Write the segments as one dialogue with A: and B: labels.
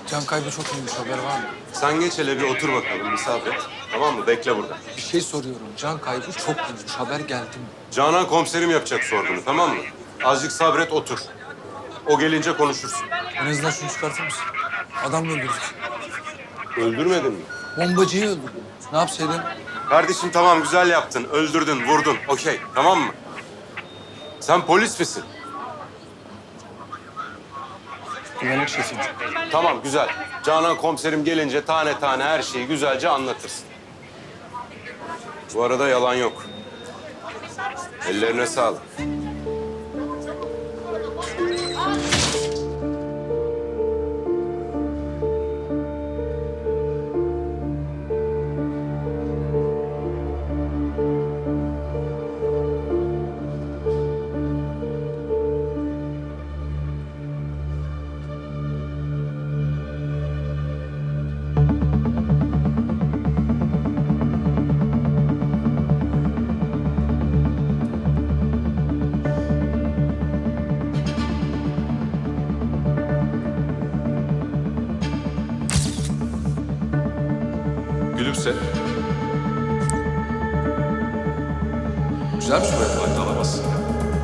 A: Can kaybı çok iyiymiş, haber var mı?
B: Sen geç hele bir otur bakalım, misafir et. Tamam mı? Bekle burada.
A: Bir şey soruyorum. Can kaybı çok iyiymiş, haber geldi mi?
B: Canan komiserim yapacak sorgunu, tamam mı? Azıcık sabret, otur. O gelince konuşursun.
A: En azından şunu çıkartır mısın? Adam mı öldürdük?
B: Öldürmedin mi?
A: Bombacıyı öldürdüm. Ne yapsaydın?
B: Kardeşim tamam, güzel yaptın. Öldürdün, vurdun. Okey, tamam mı? Sen polis misin?
A: Güvenlik şefiyim.
B: Tamam, güzel. Canan komiserim gelince tane tane her şeyi güzelce anlatırsın. Bu arada yalan yok. Ellerine sağlık.
C: Gülümse.
A: Güzel bir soru.
C: Aynı alamazsın ya.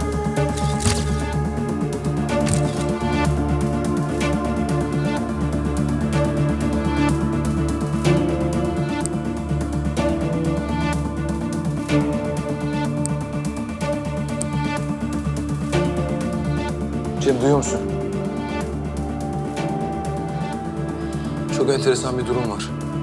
A: Cem, duyuyor musun? Çok enteresan bir durum var.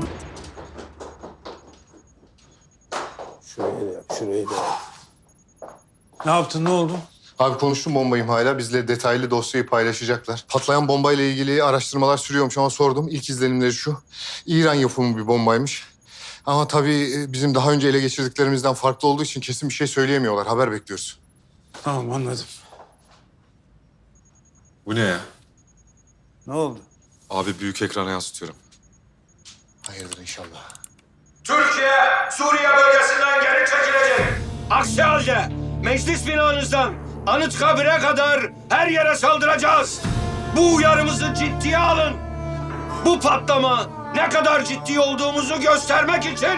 D: Şurayı da yap, şurayı da yap.
E: Ne yaptın, ne oldu?
F: Abi konuştum bomba imhayla. Bizle detaylı dosyayı paylaşacaklar. Patlayan bombayla ilgili araştırmalar sürüyormuş ama sordum. İlk izlenimleri şu. İran yapımı bir bombaymış. Ama tabii bizim daha önce ele geçirdiklerimizden farklı olduğu için kesin bir şey söyleyemiyorlar. Haber bekliyoruz.
E: Tamam, anladım.
C: Bu ne ya?
E: Ne oldu?
C: Abi büyük ekrana yansıtıyorum.
F: Hayırdır inşallah.
G: Türkiye, Suriye bölgesinden geri çekilecek. Aksi halde meclis binanızdan Anıtkabir'e kadar her yere saldıracağız. Bu uyarımızı ciddiye alın. Bu patlama ne kadar ciddi olduğumuzu göstermek için.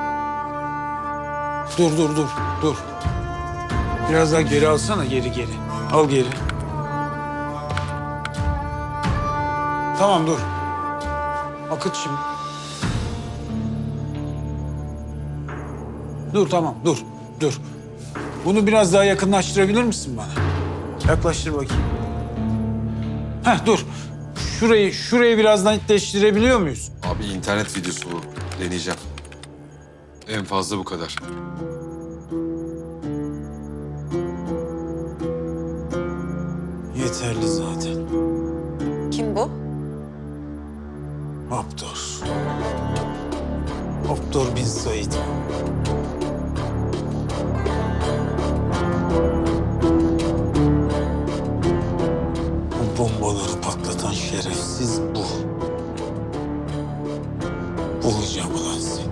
E: Dur. Biraz daha geri alsana, geri. Al geri. Tamam, dur. Akıt şimdi. Dur, tamam, dur. Bunu biraz daha yakınlaştırabilir misin bana? Yaklaştır bakayım. Heh, dur. Şurayı biraz netleştirebiliyor muyuz?
C: Abi internet videosu bu. Deneyeceğim. En fazla bu kadar.
E: Yeterli zaten.
H: Kim bu?
E: Abdur. Abdur bin Said. Bu bombaları patlatan şerefsiz bu. Bulacağım ulan seni.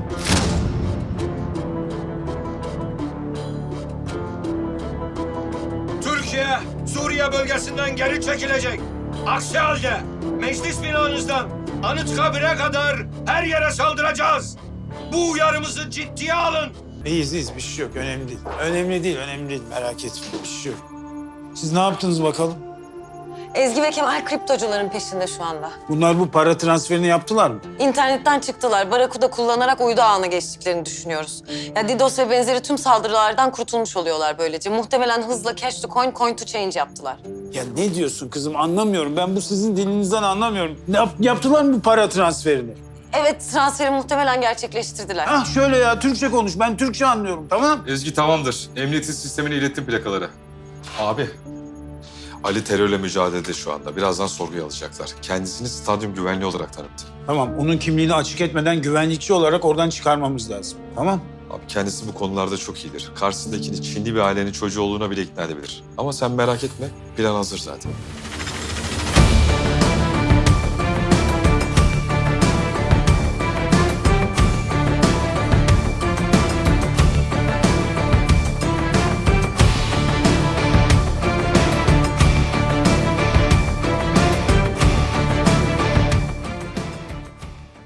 G: Türkiye, Suriye bölgesinden geri çekilecek. Aksi halde meclis binanızdan Anıtkabir'e kadar her yere saldıracağız. Bu uyarımızı ciddiye alın.
E: İyiyiz, bir şey yok. Önemli değil. Merak etme, bir şey yok. Siz ne yaptınız bakalım?
H: Ezgi ve Kemal kriptocuların peşinde şu anda.
E: Bunlar bu para transferini yaptılar mı?
H: İnternetten çıktılar. Barakuda kullanarak uydu ağına geçtiklerini düşünüyoruz. Ya DDoS ve benzeri tüm saldırılardan kurtulmuş oluyorlar böylece. Muhtemelen hızla cash to coin, coin to change yaptılar.
E: Ya ne diyorsun kızım? Anlamıyorum. Ben bu sizin dilinizden anlamıyorum. Yaptılar mı bu para transferini?
H: Evet, transferi muhtemelen gerçekleştirdiler.
E: Ah şöyle ya, Türkçe konuş. Ben Türkçe anlıyorum, tamam?
C: Ezgi tamamdır. Emniyetin sistemine ilettim plakaları. Abi. Ali terörle mücadelede şu anda. Birazdan sorguya alacaklar. Kendisini stadyum güvenliği olarak tanıttı.
E: Tamam, onun kimliğini açık etmeden güvenlikçi olarak oradan çıkarmamız lazım. Tamam?
C: Abi kendisi bu konularda çok iyidir. Karşısındakini Çinli bir ailenin çocuğu olduğuna bile ikna edebilir. Ama sen merak etme. Plan hazır zaten.